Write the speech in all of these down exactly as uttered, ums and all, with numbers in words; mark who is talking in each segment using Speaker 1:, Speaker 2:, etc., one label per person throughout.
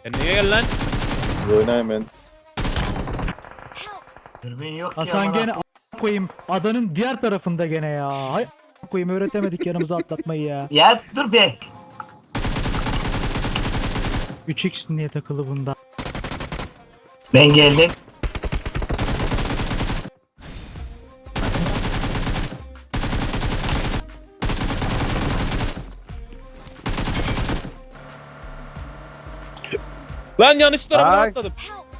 Speaker 1: Ya niye gel lan?
Speaker 2: Oynayayım ben.
Speaker 3: Dürbün yok ki
Speaker 4: Hasan
Speaker 3: amına.
Speaker 4: gene a- koyayım adanın diğer tarafında gene ya. Hay a- koyayım öğretemedik yanımıza atlatmayı ya.
Speaker 3: Ya dur be.
Speaker 4: üç x niye takılı bunda?
Speaker 3: Ben geldim.
Speaker 1: Lan yanlış tarafa
Speaker 2: Ay.
Speaker 1: atladım.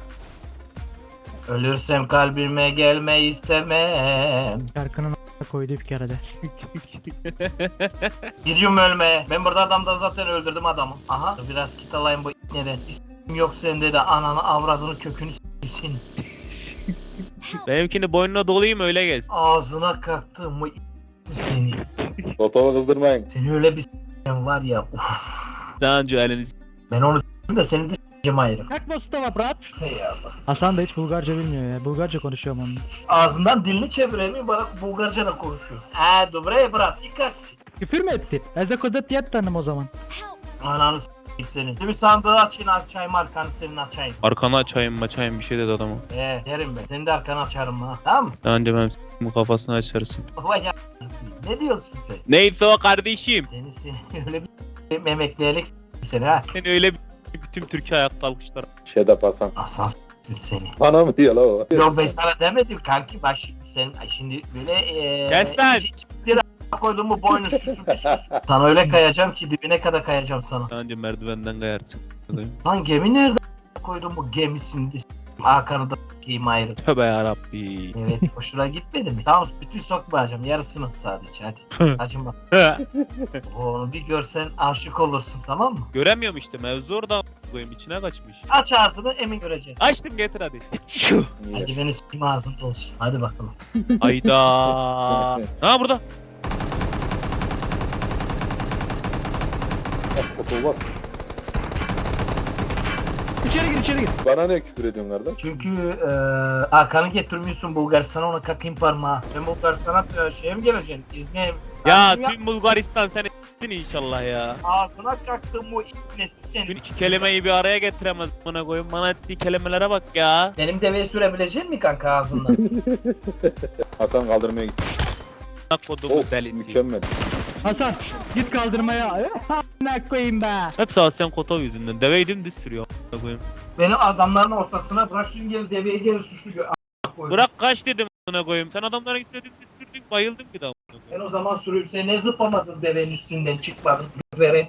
Speaker 3: Ölürsem kalbime gelme istemem.
Speaker 4: Şarkının a- koydu bir kere de.
Speaker 3: Gidiyorum ölmeye. Ben burada adamda zaten öldürdüm adamı. Aha. Biraz kit alayım bu neden. İsim yok sende de ananı avradını kökünü s**sin.
Speaker 1: Benimkini boynuna dolayayım öyle gez.
Speaker 3: Ağzına kalktım bu seni.
Speaker 2: Toto'yu kızdırmayın.
Speaker 3: Seni öyle bir s**eceğim var ya. Uf.
Speaker 1: Daha önce elini s-
Speaker 3: Ben onu s**tim de seni de s**eceğim ayrı.
Speaker 4: Kalk Mustafa brat.
Speaker 3: Hey Allah.
Speaker 4: Hasan da hiç Bulgarca bilmiyor ya. Bulgarca konuşuyorum onunla.
Speaker 3: Ağzından dilini çeviremiyor bana Bulgarca da konuşuyor. Eee dobre brat dikkat.
Speaker 4: Küfür mü etti? Eze kodet diyet tanım o zaman.
Speaker 3: Ananı s**eyim senin. Bir sandığı açayım açayım arkanı senin açayım.
Speaker 1: Arkanı açayım maçayım bir şey dedi adama.
Speaker 3: Eee derim ben. Senin de arkanı açarım ha. Tamam mı?
Speaker 1: Daha önce ben s***ın kafasını açarsın.
Speaker 3: Vay ya. Ne diyorsun sen?
Speaker 1: Neyse o kardeşim.
Speaker 3: Seni seni öyle bir memekleyerek s**eyim seni ha.
Speaker 1: Seni öyle bir bütün Türkiye ayakta alkışlar.
Speaker 2: Şedap Hasan.
Speaker 3: Aslan s**sin seni.
Speaker 2: Bana mı diyor la o?
Speaker 3: Yok ben sana demedim kanki. Bak şimdi sen şimdi böyle eee...
Speaker 1: Kes lan!
Speaker 3: c- c- koydum mu boynu şusu bir şusu. Sana öyle kayacağım ki dibine kadar kayacağım sana.
Speaker 1: Daha önce merdivenden kayarsın.
Speaker 3: Lan gemi nerede koydum bu gemisini de s**eyim. Hakan'ı da s**eyim ayrı.
Speaker 1: Tövbe yarabbi.
Speaker 3: Evet hoşuna gitmedi mi? Tamam bütün sokmayacağım yarısını sadece hadi. Acımaz. Onu bir görsen aşık olursun tamam mı?
Speaker 1: Göremiyorum işte mevzu orada koyayım içine kaçmış.
Speaker 3: Aç ağzını emin göreceksin.
Speaker 1: Açtım getir hadi.
Speaker 2: Niye?
Speaker 3: Hadi benim s**eyim ağzında olsun. Hadi bakalım.
Speaker 1: Ayda. Ha burada.
Speaker 2: Toto bas.
Speaker 4: İçeri gir içeri gir.
Speaker 2: Bana ne küfür ediyorsun kardeş?
Speaker 3: Çünkü eee Hakan'ı getirmiyorsun Bulgaristan'a ona kakayım parmağı. Ben Bulgaristan'a e, şeye mi geleceksin? İzne.
Speaker 1: Ya
Speaker 3: Ağzını yap-
Speaker 1: tüm Bulgaristan seni s**tin inşallah ya.
Speaker 3: Ağzına kaktım bu ibnesi
Speaker 1: Dün
Speaker 3: seni.
Speaker 1: iki kelimeyi bir araya getiremez bana koyun. Bana ettiği kelimelere bak ya.
Speaker 3: Benim deveyi sürebilecek mi kanka ağzından?
Speaker 2: Hasan kaldırmaya gitti.
Speaker 1: Bak kodumu
Speaker 2: Of
Speaker 1: delisi.
Speaker 2: mükemmel.
Speaker 4: Hasan git kaldırmaya. Ne koyayım be.
Speaker 1: Hep Asyan Kotov yüzünden. Deveyi dümdüz sürüyor. a**ına koyayım.
Speaker 3: Beni adamların ortasına bırak şimdi gel deveyi gel suçlu gör.
Speaker 1: Bırak kaç dedim a**ına koyayım. Sen adamların üstüne dümdüz sürdün bayıldın bir daha. a**ına
Speaker 3: Ben
Speaker 1: koyayım.
Speaker 3: o zaman sürüp sen ne zıplamadın devenin üstünden çıkmadın. Vere.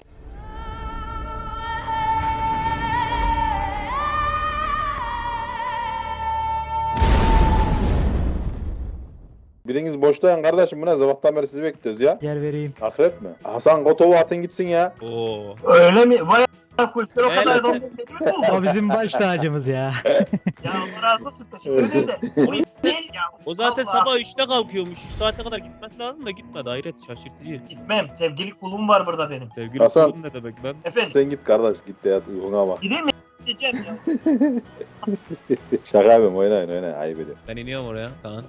Speaker 2: Biriniz boşlayan kardeşim bu ne? Sabahtan beri sizi bekliyoruz ya.
Speaker 4: Yer vereyim.
Speaker 2: Akrep mi? Hasan Kotov'u atın gitsin ya.
Speaker 1: Oo.
Speaker 3: Öyle mi? Vay a**ına koyayım. Sen o
Speaker 1: Evet.
Speaker 3: kadar adam bekliyor musun?
Speaker 4: O bizim baş tacımız ya.
Speaker 3: Ya Allah razı olsun. Teşekkür ederim de. Bu iş değil ya.
Speaker 1: O zaten
Speaker 3: Allah.
Speaker 1: sabah üçte kalkıyormuş. üç saate kadar gitmesi lazım da gitmedi. Hayret şaşırtıcı.
Speaker 3: Gitmem. Sevgili kulum var burada benim.
Speaker 1: Sevgili
Speaker 2: Hasan.
Speaker 1: kulum ne demek lan?
Speaker 3: Efendim.
Speaker 2: Sen git kardeş git de yat uykuna bak.
Speaker 3: Gideyim mi? Gideceğim ya.
Speaker 2: Şaka yapıyorum oynayın oynayın ayıp ediyorum.
Speaker 1: Ben iniyorum oraya. Tamam.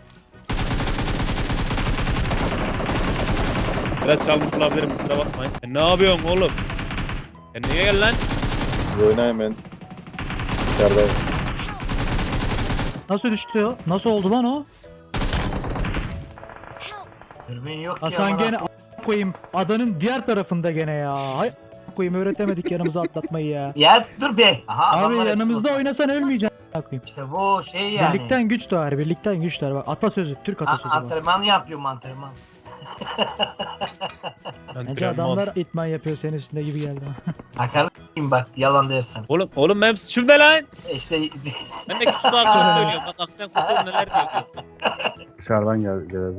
Speaker 1: Biraz çalmış olabilirim kusura bakmayın. Sen ne yapıyorsun oğlum? Sen niye gel lan?
Speaker 2: Oynayayım ben. İçerideyim.
Speaker 4: Nasıl düştü o? Nasıl oldu lan o?
Speaker 3: Dürbün yok ki
Speaker 4: Hasan
Speaker 3: amına.
Speaker 4: gene a- koyayım adanın diğer tarafında gene ya. Hay a- koyayım öğretemedik yanımıza atlatmayı ya.
Speaker 3: Ya dur be. Aha,
Speaker 4: Abi
Speaker 3: adamlar
Speaker 4: yanımızda
Speaker 3: hepsi
Speaker 4: oynasan ölmeyeceksin. a- koyayım.
Speaker 3: İşte bu şey yani.
Speaker 4: Birlikten güç doğar, birlikten güç doğar. Bak atasözü, Türk
Speaker 3: A-
Speaker 4: atasözü bu.
Speaker 3: antrenman yapıyorum antrenman.
Speaker 4: Bence adamlar itman yapıyor senin üstünde gibi geldi.
Speaker 3: Hakan'ı s**eyim bak yalan dersen.
Speaker 1: Oğlum oğlum benim suçum ne lan?
Speaker 3: E İşte
Speaker 1: Ben de küçük hakkını söylüyorum. Bak Aksen Kotov neler diyor.
Speaker 5: Dışarıdan gel geldi.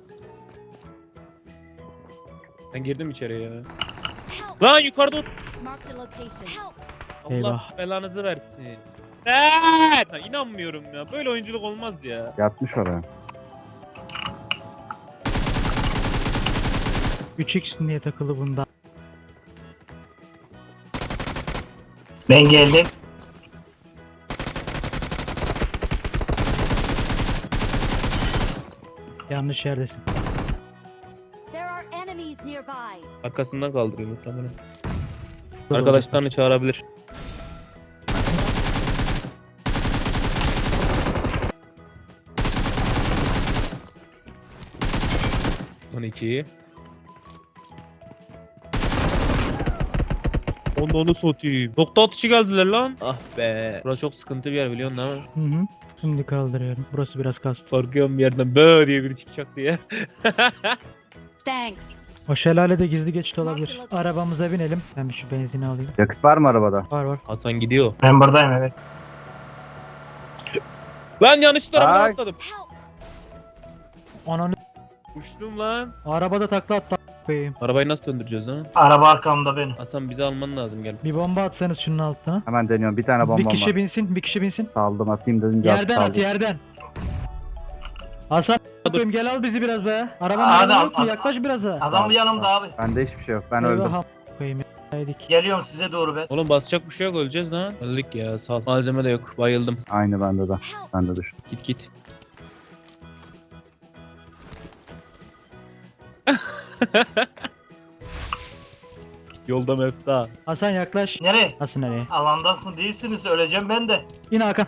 Speaker 1: Ben girdim içeriye ya. Lan yukarıda ot-
Speaker 6: Marked a location.
Speaker 1: Allah
Speaker 4: Eyvah.
Speaker 1: belanızı versin. Evet. Ha, inanmıyorum ya. Böyle oyunculuk olmaz ya.
Speaker 5: Yatmış oraya.
Speaker 4: üç x niye takılı bunda?
Speaker 3: ben geldim.
Speaker 4: Yanlış yerdesin.
Speaker 6: There are enemies nearby.
Speaker 1: Arkasından kaldırıyor muhtemelen.
Speaker 4: Dur,
Speaker 1: Arkadaşlarını çağırabilir. iki. Onu onu satayım. Nokta atışı geldiler lan. Ah be. Burası çok sıkıntı bir yer biliyorsun değil mi?
Speaker 4: Hı hı. Şimdi kaldırıyorum. Burası biraz kastı.
Speaker 1: Korkuyorum bir yerden böyle diye biri çıkacak diye.
Speaker 6: Thanks.
Speaker 4: O şelalede gizli geçit olabilir. Arabamıza binelim. Ben bir şu benzini alayım.
Speaker 5: Yakıt var mı arabada?
Speaker 4: Var var.
Speaker 1: Hasan gidiyor.
Speaker 3: Ben buradayım evet.
Speaker 1: Ben yanlış tarafa
Speaker 5: Ay.
Speaker 1: atladım.
Speaker 6: Help.
Speaker 4: Ananı
Speaker 1: Uçtum lan.
Speaker 4: arabada takla attı koyayım.
Speaker 1: Arabayı nasıl döndüreceğiz lan?
Speaker 3: Araba arkamda benim.
Speaker 1: Hasan bizi alman lazım gel.
Speaker 4: Bir bomba atsanız şunun altına.
Speaker 5: Hemen deniyorum. Bir tane
Speaker 4: Bir
Speaker 5: bombam
Speaker 4: kişi
Speaker 5: var.
Speaker 4: binsin, bir kişi binsin.
Speaker 5: Saldım atayım dedim.
Speaker 4: Yerden at
Speaker 5: saldım.
Speaker 4: yerden. Hasan koyayım gel al bizi biraz be. Arabanın
Speaker 3: Adam-
Speaker 4: yanına yok mu?
Speaker 3: adam-
Speaker 4: Yaklaş biraz ha.
Speaker 3: Adam yanımda abi.
Speaker 5: Bende hiçbir şey yok. Ben öldüm.
Speaker 4: Eyvah, koyayım ya. Yedik.
Speaker 3: Geliyorum size doğru ben.
Speaker 1: Oğlum basacak bir şey yok öleceğiz lan. Öldük ya sağ ol. Malzeme de yok bayıldım.
Speaker 5: Aynı bende de.
Speaker 6: Help.
Speaker 5: Ben de düştüm.
Speaker 1: Git git. Yolda mefta.
Speaker 4: Hasan yaklaş.
Speaker 3: Nereye?
Speaker 4: Nasıl nereye?
Speaker 3: Alandasın değilsiniz öleceğim ben de.
Speaker 4: Yine Hakan.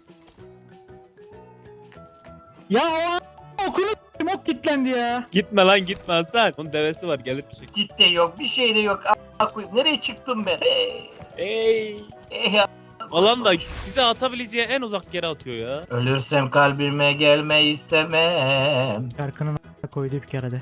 Speaker 4: Ya o a- okunu s**tim, ok kilitlendi ya.
Speaker 1: Gitme lan gitme Hasan. Onun devesi var gelir bir şey.
Speaker 3: Git de yok bir şey de yok. A- koyayım. Nereye çıktım ben? Hey.
Speaker 1: Ey.
Speaker 3: Hey ya.
Speaker 1: Alan da bize atabileceği en uzak yere atıyor ya.
Speaker 3: Ölürsem kalbime gelme istemem.
Speaker 4: Şarkının a- koydu bir kere de.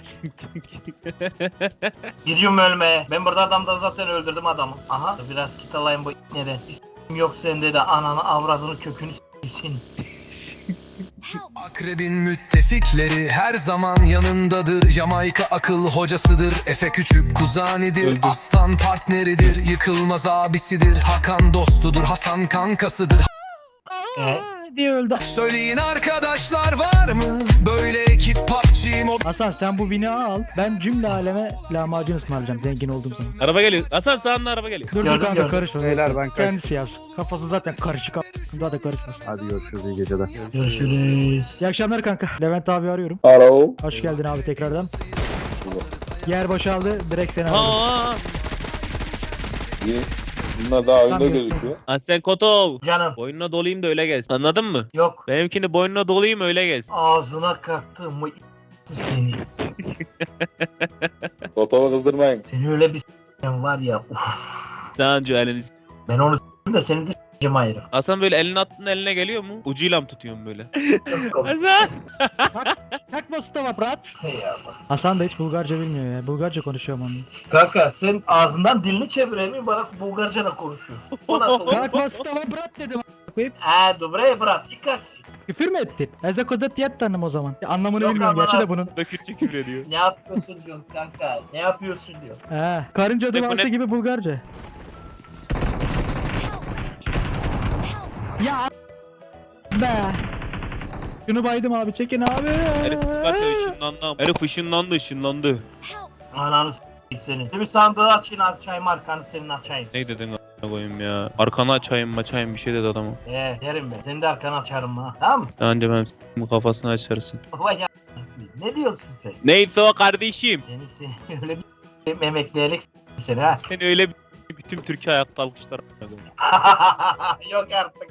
Speaker 3: Gidiyorum ölmeye. Ben burada adamda zaten öldürdüm adamı. Aha biraz kit alayım bu neden? İstim yok sende de ananı avradını kökünü s**sin.
Speaker 6: Help.
Speaker 7: Akrebin müttefikleri her zaman yanındadır. Jamaika akıl hocasıdır. Efe küçük kuzanidir.
Speaker 1: Öldü.
Speaker 7: Aslan partneridir. Yıkılmaz abisidir. Hakan dostudur. Hasan kankasıdır.
Speaker 3: E?
Speaker 4: Aa, diye öldü.
Speaker 7: Söyleyin arkadaşlar var mı? Böyle ekip P U B G Mobile.
Speaker 4: Hasan sen bu bini al. Ben cümle aleme lahmacun ısmarlayacağım zengin olduğum zaman.
Speaker 1: Araba geliyor. Hasan sağında araba geliyor.
Speaker 4: Dur dur
Speaker 3: Gördüm,
Speaker 4: kanka
Speaker 3: gördüm.
Speaker 4: karışma.
Speaker 5: Beyler, ben kaç-
Speaker 4: Kendisi yapsın. Kafası zaten karışık. Daha da karışmaz.
Speaker 5: Hadi görüşürüz. İyi geceler.
Speaker 3: Görüşürüz.
Speaker 4: İyi akşamlar kanka. Levent abi arıyorum.
Speaker 2: Alo.
Speaker 4: Hoş geldin abi tekrardan. Yer boşaldı. Direkt seni aldım.
Speaker 1: Aa.
Speaker 2: İyi. Bunlar daha önde
Speaker 4: Tamam,
Speaker 2: gözüküyor.
Speaker 1: Hasan Kotov.
Speaker 3: Canım
Speaker 1: Boynuna dolayayım da öyle gez. Anladın mı?
Speaker 3: yok.
Speaker 1: Benimkini boynuna dolayayım öyle gez.
Speaker 3: Ağzına kattım mı seni.
Speaker 2: Otova kızdırmayın.
Speaker 3: Seni öyle bir s**eceğim var ya. Uf.
Speaker 1: Daha önce elini s-
Speaker 3: Ben onu s**eyim de seni de s**eceğim ayrı.
Speaker 1: Hasan böyle elini attığında eline geliyor mu? Ucuyla mı tutuyorsun böyle? Hasan.
Speaker 4: Takma stava brat.
Speaker 3: Hey ya bak.
Speaker 4: Hasan da hiç Bulgarca bilmiyor ya. Bulgarca konuşuyorum onunla.
Speaker 3: Kanka sen ağzından dilini çeviremiyorsun bana Bulgarca da konuşuyorsun. O nasıl olur?
Speaker 4: Takma stava brat dedim. a- koyup.
Speaker 3: Eee dobre brat dikkat.
Speaker 4: Küfür mü ettin? Ezekozet yet tanım o zaman. Anlamını
Speaker 3: Yok
Speaker 4: bilmiyorum
Speaker 3: ama-
Speaker 4: gerçi de bunun.
Speaker 1: Dökürçe küfür ediyor.
Speaker 3: Ne yapıyorsun diyorsun kanka? Ne yapıyorsun diyor.
Speaker 4: He. Karınca
Speaker 1: Ne bu
Speaker 4: duası
Speaker 1: ne?
Speaker 4: gibi Bulgarca. Ya a- be. Şunu baydım abi çekin abi.
Speaker 1: Herif zaten ışınlandı. Herif ışınlandı ışınlandı.
Speaker 6: Help.
Speaker 3: Ananı s**eyim seni. Bir sandığı açayım açayım arkanı senin açayım.
Speaker 1: Ne dedin a**ına koyayım ya? Arkanı açayım açayım bir şey dedi adamı.
Speaker 3: Eee derim ben. Senin de arkanı açarım ha. Tamam mı?
Speaker 1: Daha önce ben s***ın kafasını açarsın.
Speaker 3: Vay ya. Ne diyorsun sen?
Speaker 1: Neyse o kardeşim.
Speaker 3: Seni seni öyle bir memekleyerek s**eyim seni ha.
Speaker 1: Seni öyle bir bütün Türkiye ayakta alkışlar.
Speaker 3: Yok artık.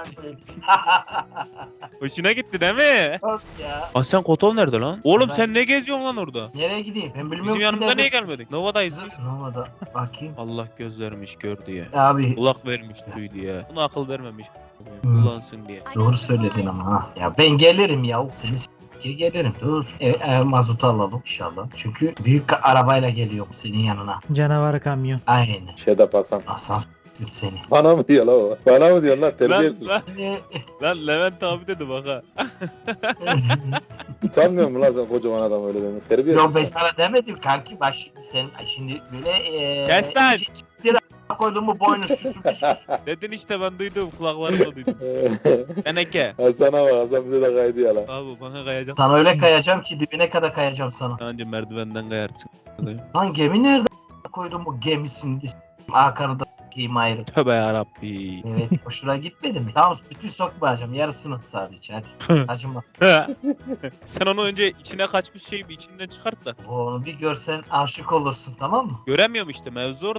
Speaker 1: Hoşuna gitti değil mi?
Speaker 3: Yok ya.
Speaker 1: Aslan Kotov nerede lan? Oğlum
Speaker 3: Ben-
Speaker 1: sen ne geziyorsun lan orada?
Speaker 3: Nereye gideyim? Ben bilmiyorum
Speaker 1: Bizim
Speaker 3: ki
Speaker 1: yanımıza niye
Speaker 3: neredesiniz.
Speaker 1: gelmedik? Nova'dayız.
Speaker 3: Siz- Nova'da. Bakayım.
Speaker 1: Allah göz vermiş gördü ya.
Speaker 3: Abi
Speaker 1: Kulak vermiş duydu ya. Buna akıl vermemiş.
Speaker 3: Hmm.
Speaker 1: Kullansın diye.
Speaker 6: I
Speaker 3: doğru
Speaker 6: got
Speaker 3: söyledin
Speaker 6: supplies.
Speaker 3: ama ha. Ya ben gelirim ya. Seni s**keye gelirim. Dur. E, e, mazotu alalım inşallah. Çünkü büyük ka- arabayla geliyorum senin yanına.
Speaker 4: Canavar kamyon.
Speaker 3: Aynen.
Speaker 2: Şeyde Hasan.
Speaker 3: Aslan s**sin seni.
Speaker 2: Bana mı diyor la o? Bana mı diyor lan
Speaker 1: Lan,
Speaker 2: terbiyesiz?
Speaker 1: lan,
Speaker 3: E,
Speaker 1: lan Levent abi dedi bak ha.
Speaker 2: Utanmıyor mu lan sen kocaman adam öyle demek? Terbiyesiz.
Speaker 3: Yok ben sana demedim kanki. Bak şimdi sen şimdi böyle e,
Speaker 1: Kes lan!
Speaker 3: c- c- a- koydun mu boynu süsü bir sus.
Speaker 1: Dedin işte ben duydum kulaklarımla duydum. Teneke.
Speaker 2: Hasan'a bak Hasan bize de kaydı ya lan.
Speaker 1: Abi bana kayacak.
Speaker 3: Sana öyle kayacağım ki dibine kadar kayacağım sana.
Speaker 1: Anca merdivenden kayarsın.
Speaker 3: Lan gemi nerede a- koydun bu gemisini de s**eyim. Hakan'ı da s**eyim ayrı.
Speaker 1: Tövbe yarabbi.
Speaker 3: Evet hoşuna gitmedi mi? Tamam bütün sokmayacağım yarısını sadece hadi. Acımaz.
Speaker 1: Sen onu önce içine kaçmış şeyi bir içinden çıkart da.
Speaker 3: Onu bir görsen aşık olursun tamam mı?
Speaker 1: Göremiyorum işte mevzu orada.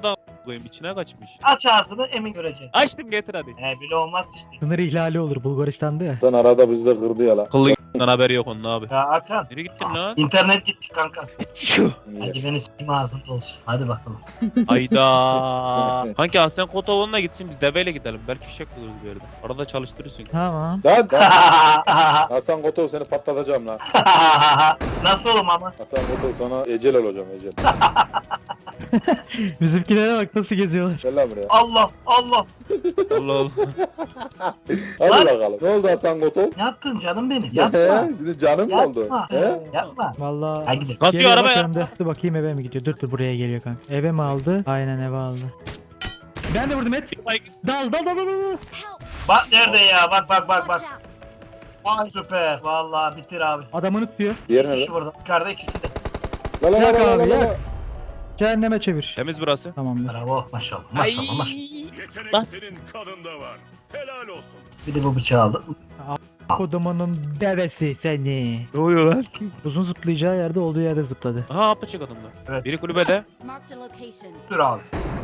Speaker 1: koyayım içine kaçmış.
Speaker 3: Aç ağzını emin göreceksin.
Speaker 1: Açtım getir hadi.
Speaker 3: He bile olmaz işte.
Speaker 4: Sınır ihlali olur Bulgaristan'da ya.
Speaker 2: Sen arada bizi de kırdı ya lan.
Speaker 1: Kıllı g***den haberi yok onun abi.
Speaker 3: Ya Hakan.
Speaker 1: Nereye gittin lan?
Speaker 3: İnternet gitti kanka.
Speaker 1: Şu.
Speaker 3: Hadi benim s**im ağzında olsun. Hadi bakalım.
Speaker 1: Ayda. Kanki Hasan Kotoğlu'na gitsin biz deveyle gidelim. Belki fişek buluruz bir yerde. Arada çalıştırırsın.
Speaker 4: Tamam.
Speaker 2: Lan lan. Hasan Kotov seni patlatacağım lan.
Speaker 3: Nasıl oğlum ama?
Speaker 2: Hasan Kotov sana ecel olacağım ecel.
Speaker 4: Bizimkilere bak nasıl geziyorlar.
Speaker 2: Gel lan buraya.
Speaker 3: Allah Allah.
Speaker 1: Allah Allah.
Speaker 2: Hadi
Speaker 3: Lan.
Speaker 2: bakalım. Ne oldu Hasan Kotov?
Speaker 3: Ne yaptın canım benim? Yapma.
Speaker 2: Şimdi canım mı oldu?
Speaker 3: Yapma.
Speaker 2: He?
Speaker 3: Yapma.
Speaker 4: Vallahi.
Speaker 3: Hadi gidelim.
Speaker 1: Kasıyor
Speaker 4: Geliyor
Speaker 1: araba
Speaker 4: bak
Speaker 1: ya.
Speaker 4: önde. Dur bakayım eve mi gidiyor? Dur dur buraya geliyor kanka. Eve mi aldı? Aynen eve aldı. Ben de vurdum et. Dal dal dal dal dal.
Speaker 6: Help!
Speaker 3: Bak nerede ya? Bak bak bak
Speaker 6: Watch
Speaker 3: bak.
Speaker 6: out!
Speaker 3: Ay süper. Vallahi bitir abi.
Speaker 4: Adamını tutuyor.
Speaker 2: Diğer
Speaker 3: İki
Speaker 2: nerede?
Speaker 3: kişi burada. Yukarıda ikisi de.
Speaker 2: La la la
Speaker 4: Yak
Speaker 2: la la
Speaker 4: abi,
Speaker 2: la
Speaker 4: yak.
Speaker 2: la.
Speaker 4: Cehenneme çevir.
Speaker 1: Temiz burası.
Speaker 4: Tamamdır.
Speaker 3: Bravo. Maşallah. Maşallah maşallah.
Speaker 8: Yetenek
Speaker 1: Bas.
Speaker 8: senin kanında var. Helal olsun.
Speaker 3: Bir de bu bıçağı aldım.
Speaker 4: Kodumunun devesi seni.
Speaker 1: Ne oluyor lan?
Speaker 4: Uzun zıplayacağı yerde olduğu yerde zıpladı.
Speaker 1: Aha apaçık adamlar.
Speaker 3: Evet.
Speaker 1: Biri kulübede.
Speaker 6: Marked a location.
Speaker 3: Dur abi.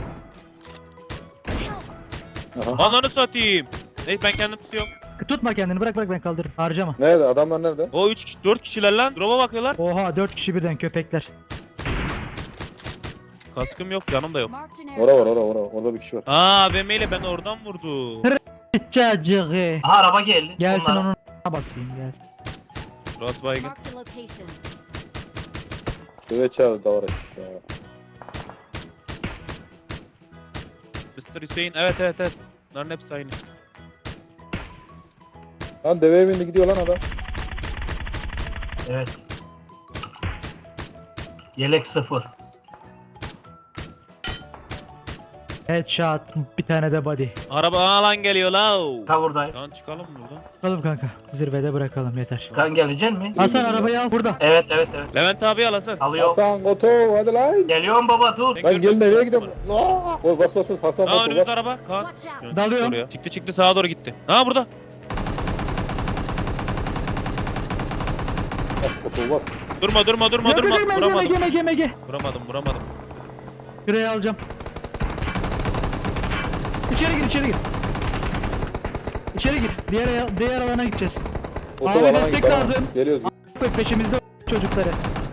Speaker 6: Help!
Speaker 1: Ananı satayım. Neyse ben kendim tutuyorum.
Speaker 4: Tutma kendini bırak bırak ben kaldırırım. Harcama.
Speaker 2: Nerede? Adamlar nerede?
Speaker 1: O üç kişi dört kişiler lan. Drop'a bakıyorlar.
Speaker 4: Oha dört kişi birden köpekler.
Speaker 1: Kaskım yok canım da yok.
Speaker 6: Marked an
Speaker 2: Ora var
Speaker 6: area.
Speaker 2: ora ora. Orada bir kişi var.
Speaker 1: Aa B M ile beni oradan vurdu.
Speaker 4: Cacığı.
Speaker 3: Aha araba geldi.
Speaker 4: Gelsin
Speaker 3: Onlara.
Speaker 4: onun a**ına basayım gelsin.
Speaker 1: Ross baygın.
Speaker 6: Marked a location.
Speaker 2: Döve çağırdı da oraya. Şu an.
Speaker 1: mister Hüseyin evet evet evet. Bunların hepsi aynı.
Speaker 2: Lan deveye bindi gidiyor lan adam.
Speaker 3: Evet. Yelek sıfır.
Speaker 4: Headshot bir tane de body.
Speaker 1: Araba alan geliyor la.
Speaker 3: Kavurdayım.
Speaker 1: Lan çıkalım mı buradan?
Speaker 4: Çıkalım kanka. Zirvede bırakalım yeter.
Speaker 3: Kan gelecek mi?
Speaker 4: Hasan arabayı al burada.
Speaker 3: Evet evet evet.
Speaker 1: Levent abi al Hasan.
Speaker 3: Alıyorum.
Speaker 2: Hasan Kotov hadi lan.
Speaker 3: Geliyorum baba dur.
Speaker 1: Ben
Speaker 2: Lan gel
Speaker 1: gördüm.
Speaker 2: nereye gidiyorsun? Aa! Oy bas bas bas Hasan
Speaker 1: Aa
Speaker 2: Kotov
Speaker 1: önümüzde
Speaker 2: bas.
Speaker 1: araba. Kaan.
Speaker 6: Watch out!
Speaker 4: Dalıyorum.
Speaker 1: Oraya. Çıktı çıktı sağa doğru gitti. Ha burada.
Speaker 2: Bas Kotov bas.
Speaker 1: Durma durma durma
Speaker 4: Yok,
Speaker 1: durma.
Speaker 4: yok, yok,
Speaker 1: Vuramadım.
Speaker 4: Mege mege mege.
Speaker 1: Vuramadım vuramadım.
Speaker 4: Şuraya alacağım. İçeri gir içeri gir. İçeri gir. Diğer diğer alana gideceğiz.
Speaker 2: Kotov
Speaker 4: Abi
Speaker 2: alana
Speaker 4: destek
Speaker 2: git, alana.
Speaker 4: lazım.
Speaker 2: Geliyoruz.
Speaker 4: Peşimizde çocukları.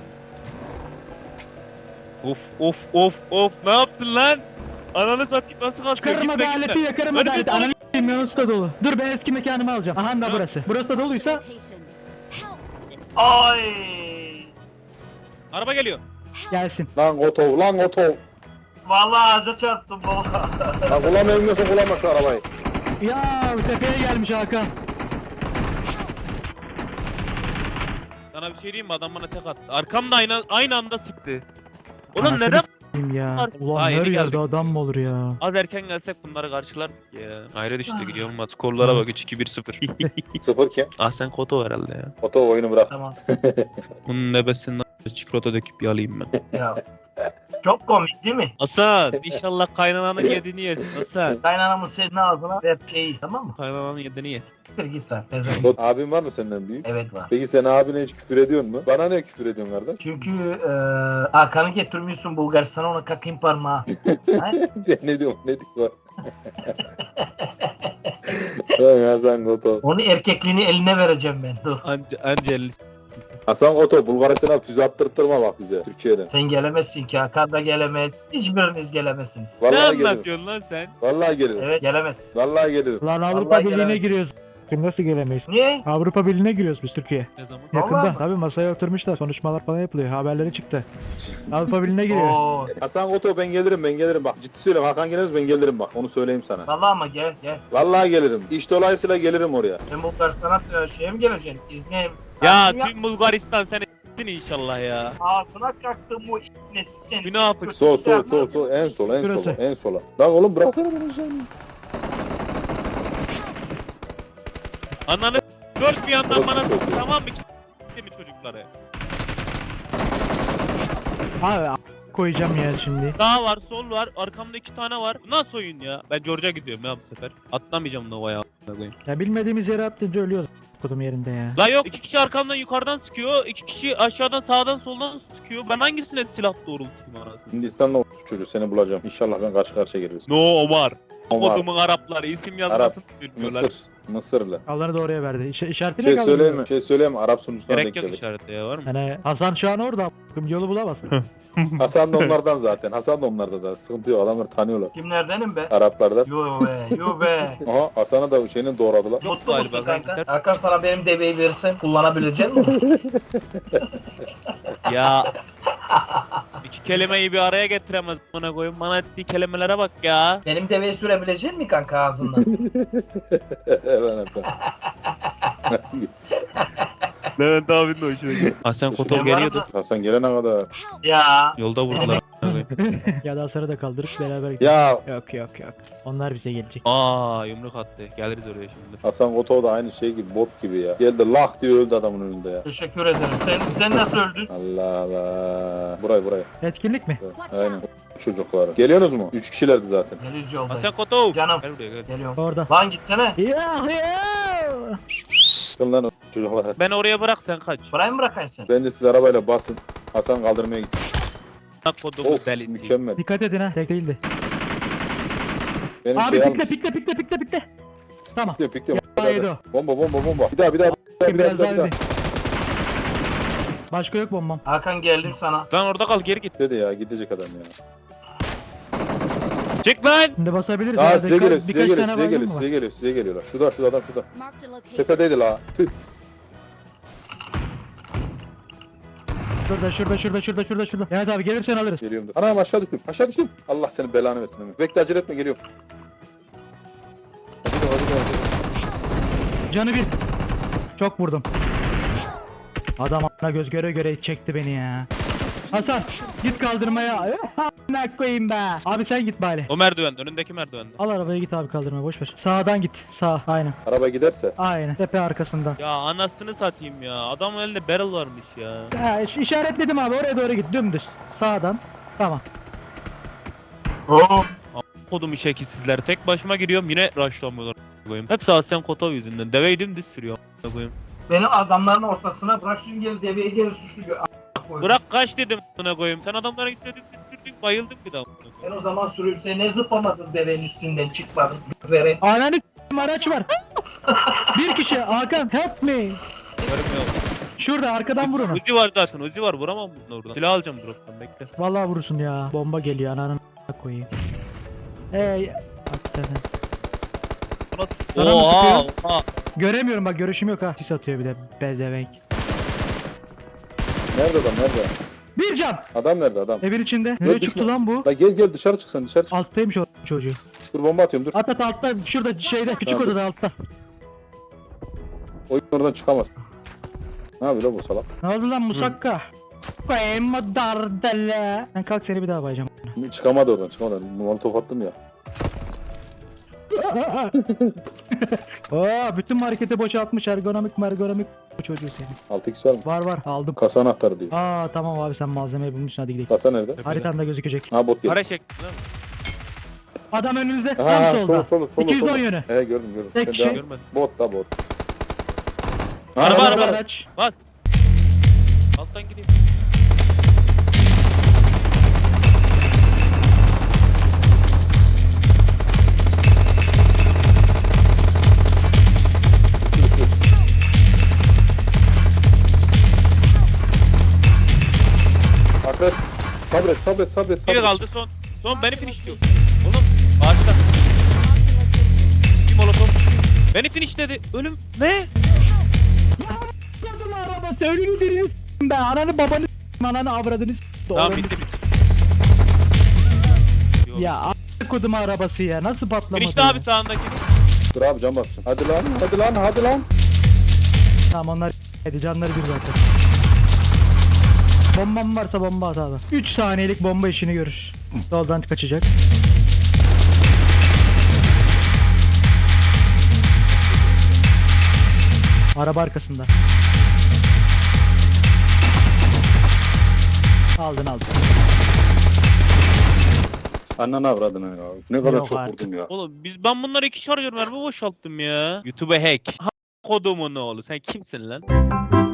Speaker 1: Of of of of. Ne yaptın lan? Ananı satayım nasıl kalkıyor?
Speaker 4: Çıkarırım
Speaker 1: Gitme,
Speaker 4: adaleti
Speaker 1: gitme.
Speaker 4: yakarım
Speaker 1: Önümüzde
Speaker 4: adaleti.
Speaker 1: dolu.
Speaker 4: Ananı s**eyim yanısı da dolu. Dur ben eski mekanımı alacağım. Aha da
Speaker 1: Ya.
Speaker 4: burası. Burası da doluysa
Speaker 6: Location. Help!
Speaker 3: Ay.
Speaker 1: Araba geliyor.
Speaker 4: gelsin.
Speaker 2: Lan Kotov lan Kotov.
Speaker 3: Vallahi ağaca çarptım baba.
Speaker 2: Lan kullanmıyorsa kullanma şu arabayı.
Speaker 4: Ya tepeye gelmiş Hakan.
Speaker 1: Sana bir şey diyeyim mi? Adam bana tek attı. Arkamda aynı, aynı anda sıktı. Oğlum
Speaker 4: Anasını
Speaker 1: neden?
Speaker 4: s**eyim ya. Ulan
Speaker 1: Daha
Speaker 4: her
Speaker 1: yeni
Speaker 4: yerde
Speaker 1: geldik.
Speaker 4: adam mı olur ya?
Speaker 1: Az erken gelsek bunları karşılardık ya. Ayrı düştü gidiyor olmaz. Skorlara bak üç iki bir sıfır.
Speaker 2: Sıfır kim?
Speaker 1: Ah sen Koto herhalde ya.
Speaker 2: Kotov oyunu bırak.
Speaker 3: Tamam.
Speaker 1: Bunun nebesinden çikolata döküp yalayayım ben.
Speaker 3: Ya. Çok komik değil mi?
Speaker 1: Hasan inşallah kaynananın yediğini yesin Hasan.
Speaker 3: Kaynanamın senin ağzına verseyi tamam mı?
Speaker 1: Kaynananın yediğini ye.
Speaker 3: Siktir git lan. Pezevenk.
Speaker 2: Kot- Abin var mı senden büyük?
Speaker 3: Evet var.
Speaker 2: Peki sen abine hiç küfür ediyor mu? Bana ne küfür ediyorsun kardeş?
Speaker 3: Çünkü eee Hakan'ı getirmiyorsun Bulgaristan'a ona kakayım parmağı. Ha?
Speaker 2: Ben ne diyorum ne diyor? Lan Hasan Kotov.
Speaker 3: Onu erkekliğini eline vereceğim ben. Dur.
Speaker 1: Anca, anca elli.
Speaker 2: Hasan Kotov Bulgaristan'a füze attırtırma bak bize Türkiye'den.
Speaker 3: Sen gelemezsin ki. Hakan da gelemez. Hiçbiriniz gelemezsiniz.
Speaker 1: Ne
Speaker 2: Vallahi gelirim.
Speaker 1: anlatıyorsun lan sen?
Speaker 2: Vallahi gelirim.
Speaker 3: Evet gelemez.
Speaker 2: Vallahi gelirim.
Speaker 4: Lan Avrupa
Speaker 3: Vallahi
Speaker 4: Birliği'ne
Speaker 3: gelemez.
Speaker 4: giriyoruz. Nasıl gelemeyiz?
Speaker 3: Niye?
Speaker 4: Avrupa Birliği'ne giriyoruz biz Türkiye.
Speaker 1: Ne zaman?
Speaker 3: Vallahi
Speaker 4: Yakında.
Speaker 3: mi?
Speaker 4: Tabii masaya oturmuşlar. Konuşmalar falan yapılıyor. Haberleri çıktı. Avrupa Birliği'ne giriyor.
Speaker 3: Oo.
Speaker 2: Hasan Kotov ben gelirim ben gelirim bak ciddi söylüyorum Hakan geliriz ben gelirim bak onu söyleyeyim sana.
Speaker 3: Vallahi ama gel gel.
Speaker 2: Vallahi gelirim. İş dolayısıyla gelirim oraya.
Speaker 3: Sen Bulgaristan'a e, şeye mi geleceksin? İzne.
Speaker 1: Ya
Speaker 3: Tatil yap-
Speaker 1: tüm Bulgaristan seni s**tin inşallah ya.
Speaker 3: Ağzına kaktım bu nesi seni.
Speaker 1: Günah yapıp-
Speaker 2: Sol sol sol sol en sola en
Speaker 4: Şurası.
Speaker 2: sola en sola. Lan oğlum bıraksana beni sen.
Speaker 1: Ananı dört bir yandan bana s**, tamam mı? S**ti mi çocukları?
Speaker 4: Abi a- koyacağım ya şimdi.
Speaker 1: Sağ var, sol var, arkamda iki tane var. Bu nasıl oyun ya? Ben George'a gidiyorum ya bu sefer. Atlamayacağım Nova'ya a**ına koyayım.
Speaker 4: Ya bilmediğimiz yere atlayınca ölüyoruz. Kodum yerinde ya.
Speaker 1: La yok, iki kişi arkamdan yukarıdan sıkıyor, iki kişi aşağıdan sağdan soldan sıkıyor. Ben hangisine silah doğrultayım anasını?
Speaker 2: Hindistan'da çocuğu seni bulacağım. İnşallah ben karşı karşıya geliriz.
Speaker 1: No Omar.
Speaker 2: Omar.
Speaker 1: Kodumun Arapları isim yazmasını bilmiyorlar.
Speaker 2: Mısır. Mısırlı.
Speaker 4: Allah'ını da oraya verdi. İş, işaretine
Speaker 2: Şey
Speaker 4: kaldı.
Speaker 2: söyleyeyim mi? Şey söyleyeyim mi? Arap sunucularına
Speaker 1: Gerek
Speaker 2: denk
Speaker 1: yok
Speaker 2: geldik.
Speaker 1: işarette ya var mı?
Speaker 4: Yani Hasan şu an orada. a**ım, Yolu bulamaz.
Speaker 2: Hasan da onlardan zaten. Hasan da onlarda da. Sıkıntı yok. Adamlar tanıyorlar.
Speaker 3: Kimlerdenim be?
Speaker 2: Araplardan.
Speaker 3: Yo be, yo be.
Speaker 2: Aha Hasan'ı da şeyini doğradılar.
Speaker 3: Mutlu
Speaker 1: Galiba
Speaker 3: musun
Speaker 1: ben
Speaker 3: kanka?
Speaker 1: gider-
Speaker 3: Hakan sana benim deveyi verirsen kullanabilecek misin?
Speaker 1: Ya iki kelimeyi bir araya getiremez bana koyun. Bana ettiği kelimelere bak ya.
Speaker 3: Benim deveyi sürebilecek misin kanka ağzından?
Speaker 2: Evet Hasan.
Speaker 1: Levent abinin de hoşuna gitti. Hasan Kotov
Speaker 3: Ben
Speaker 1: geliyordu.
Speaker 3: varım
Speaker 2: Hasan gelene kadar.
Speaker 6: Help!
Speaker 3: Ya.
Speaker 1: Yolda vurdular.
Speaker 4: Ya da Hasan'ı da kaldırıp beraber gidelim.
Speaker 2: Ya
Speaker 4: Yok yok yok. Onlar bize gelecek.
Speaker 1: Aa yumruk attı. Geliriz oraya şimdi.
Speaker 2: Hasan Koto da aynı şey gibi bot gibi ya. Geldi lak diye öldü adamın önünde ya.
Speaker 3: Teşekkür ederim. Sen, sen nasıl öldün?
Speaker 2: Allah Allah. Buraya buraya.
Speaker 4: Etkinlik mi?
Speaker 6: Watch
Speaker 2: Aynen.
Speaker 6: out!
Speaker 2: Çocuklar. Geliyorsunuz mu? Üç kişilerdi zaten.
Speaker 3: Geliyoruz yoldayız.
Speaker 1: Hasan Kotov.
Speaker 3: Canım.
Speaker 1: Gel buraya gel.
Speaker 3: Geliyorum.
Speaker 4: Orada.
Speaker 3: Lan gitsene.
Speaker 4: Ya ya.
Speaker 2: Çıkın lan o çocuklar.
Speaker 1: Ben oraya bırak sen kaç.
Speaker 3: Buraya mı bırakayım seni?
Speaker 2: Bence siz arabayla basın. Hasan kaldırmaya gitsin.
Speaker 1: Kodumun
Speaker 2: Of
Speaker 1: delisi.
Speaker 2: mükemmel.
Speaker 4: Dikkat edin ha. Tek değildi.
Speaker 2: Benim
Speaker 4: Abi
Speaker 2: şey
Speaker 4: pikle
Speaker 2: almış.
Speaker 4: pikle pikle pikle pikle. Tamam.
Speaker 2: Pikliyor pikliyor.
Speaker 4: Haydi o.
Speaker 2: Bomba bomba bomba. Bir daha bir daha. Bir daha bir daha
Speaker 4: Biraz
Speaker 2: bir daha.
Speaker 4: daha
Speaker 2: Bir daha.
Speaker 4: öldü. Başka yok bombam.
Speaker 3: Hakan geldim sana.
Speaker 1: Lan orada kal geri git.
Speaker 2: Dedi ya gidecek adam ya.
Speaker 1: Çık lan.
Speaker 4: Şimdi basabiliriz.
Speaker 2: Aa
Speaker 4: herhalde.
Speaker 2: size
Speaker 4: Birka-
Speaker 2: geliyor size
Speaker 4: birkaç
Speaker 2: geliyor
Speaker 4: tane
Speaker 2: size
Speaker 4: baygın
Speaker 2: geliyor
Speaker 4: mı var?
Speaker 2: size geliyor size geliyorlar. Şurada şurada adam şurada.
Speaker 6: Marked a location.
Speaker 2: Tepedeydi la. Tüh.
Speaker 4: Şurada şurada şurada şurada şurada şurada. Evet abi gelirsen alırız.
Speaker 2: Geliyorum da. Anam aşağı düştüm. Aşağı düştüm. Allah senin belanı versin. Ömür. Bekle acele etme geliyorum. Hadi hadi hadi. hadi.
Speaker 4: Canı bir. Çok vurdum. Adam a**ına göz göre göre çekti beni ya. Hasan git kaldırmaya. Ne koyayım be. Abi sen git bari.
Speaker 1: O merdivende. Önündeki merdivende.
Speaker 4: Al arabaya git abi kaldırmaya boş ver. Sağdan git. Sağ. Aynen.
Speaker 2: Araba giderse.
Speaker 4: Aynen. Tepe arkasından.
Speaker 1: Ya anasını satayım ya. Adamın elinde barrel varmış ya.
Speaker 4: Ya iş- işaretledim abi oraya doğru git dümdüz. Sağdan. Tamam.
Speaker 3: Oo.
Speaker 1: Kodum şekilsizler. Tek başıma giriyorum yine rushlamıyorlar. Koyayım. Hepsi Hasan Kotov yüzünden. Deveyi dümdüz sürüyor. Koyayım.
Speaker 3: Beni adamların ortasına bırak şimdi gel deveye gel suçlu gör. A-
Speaker 1: Bırak kaç dedim buna koyayım. Sen adamlara gitme dümdüz sürdün. Bayıldım bir daha.
Speaker 3: Ben o zaman sürüp sen ne zıplamadın devenin üstünden çıkmadın. Veren.
Speaker 4: Ananı s**eyim, araç var. Bir kişi Hakan help me.
Speaker 1: Görmüyor.
Speaker 4: Şurada arkadan vur onu.
Speaker 1: Uzi var zaten. Uzi var. Vuramam bunu oradan. Silah alacağım drop'tan. Bekle.
Speaker 4: Vallahi vurursun ya. Bomba geliyor ananın a**ına koyayım. Hey. Hakikaten. Sana mı
Speaker 1: Oha.
Speaker 4: sıkıyor?
Speaker 1: Oha.
Speaker 4: Göremiyorum bak görüşüm yok ha. Sis atıyor bir de bezevenk.
Speaker 2: Nerede adam nerede?
Speaker 4: Bir can.
Speaker 2: Adam nerede adam?
Speaker 4: Evin içinde. Nereye
Speaker 2: düşme.
Speaker 4: çıktı lan bu?
Speaker 2: La gel gel dışarı çık sen dışarı çık.
Speaker 4: Alttaymış o çocuğu.
Speaker 2: Dur bomba atıyorum dur.
Speaker 4: At at altta şurada şeyde küçük
Speaker 2: Tamam.
Speaker 4: odada altta.
Speaker 2: Oyun oradan çıkamaz. Ne yapıyor la bu salak?
Speaker 4: Ne oldu lan musakka? Koyayım mı dardele? Ben kalk seni bir daha bayacağım.
Speaker 2: Çıkamadı oradan çıkamadı. Molotof attım ya.
Speaker 4: Oo, bütün marketi boşaltmış ergonomik mergonomik bu çocuğu senin.
Speaker 2: altı x var mı?
Speaker 4: Var var aldım.
Speaker 2: Kasa anahtarı diyor.
Speaker 4: Aa tamam abi sen malzemeyi bulmuşsun hadi gidelim.
Speaker 2: Kasa nerede?
Speaker 4: Haritanda gözükecek.
Speaker 2: Ha bot geldi.
Speaker 1: Para çektin değil mi?
Speaker 4: Adam önünüzde tam
Speaker 2: Ha
Speaker 4: solda.
Speaker 2: sol sol sol.
Speaker 4: iki yüz on
Speaker 2: sol.
Speaker 4: yönü.
Speaker 2: He gördüm gördüm.
Speaker 4: Tek
Speaker 2: Sen
Speaker 4: kişi.
Speaker 2: devam-
Speaker 1: Görmedim.
Speaker 2: Bot da bot.
Speaker 1: Araba,
Speaker 2: Ha,
Speaker 1: araba.
Speaker 4: Araç.
Speaker 1: Bas. Alttan gideyim.
Speaker 2: Akres. Sabret sabret sabret
Speaker 1: Biri
Speaker 2: sabret.
Speaker 1: kaldı son. Son beni finishliyor. Oğlum ağaçta.
Speaker 6: Marked a location.
Speaker 1: Molotof. Beni finishledi. Ölüm. Ne?
Speaker 4: Gördüm arabası önünü diriyor s**tim be. Ananı babanı s**tim, ananı avradını s**tim.
Speaker 1: Tamam bitti bitti. Yok.
Speaker 4: Ya a**a kodum arabası ya nasıl patlamadı?
Speaker 1: Finishli
Speaker 4: ya?
Speaker 1: abi sağındaki.
Speaker 2: Dur abi can bastım. Hadi lan hadi lan hadi lan.
Speaker 4: Tamam onlar hadi canları bir zaten. Bombam varsa bomba at abi. üç saniyelik bomba işini görür. Soldan kaçacak. Araba arkasında. Aldın aldın.
Speaker 2: Annen avradına ya. Ne kadar
Speaker 4: Yok
Speaker 2: çok
Speaker 4: artık.
Speaker 2: vurdum ya.
Speaker 1: Oğlum biz ben bunları iki şarjör mermi boşalttım ya. YouTube'a hack. Ha, kodumun oğlu sen kimsin lan?